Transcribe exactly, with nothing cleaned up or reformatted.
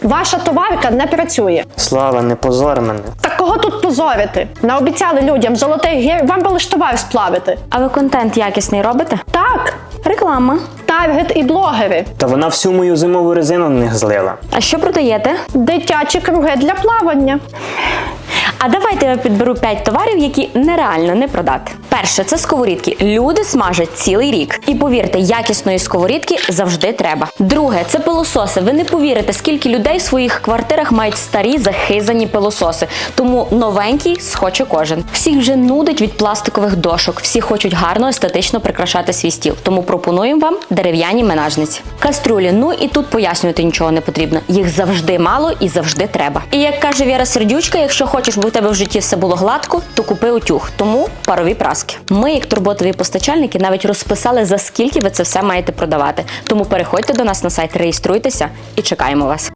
Ваша товарка не працює. Слава, не позор мене. Так кого тут позорити? Наобіцяли людям золотих гір, вам би лиш товар сплавити. А ви контент якісний робите? Так, Реклама. таргет і блогери. Та вона всю мою зимову резину на них злила. А що продаєте? Дитячі круги для плавання. А давайте я підберу п'ять товарів, які нереально не продати. Перше – це сковорідки. Люди смажать цілий рік. І повірте, якісної сковорідки завжди треба. Друге – це пилососи. Ви не повірите, скільки людей в своїх квартирах мають старі захизані пилососи. Тому новенький схоче кожен. Всіх вже нудить від пластикових дошок. Всі хочуть гарно, естетично прикрашати свій стіл. Тому пропонуємо вам дерев'яні менажниці. Каструлі. Ну і тут пояснювати нічого не потрібно. Їх завжди мало і завжди треба. І як каже Віра Сердючка, якщо хочеш, бо у тебе в житті все було гладко, то купи утюг. Тому парові праски. Ми, як турботові постачальники, навіть розписали, за скільки ви це все маєте продавати. Тому переходьте до нас на сайт, реєструйтеся і чекаємо вас.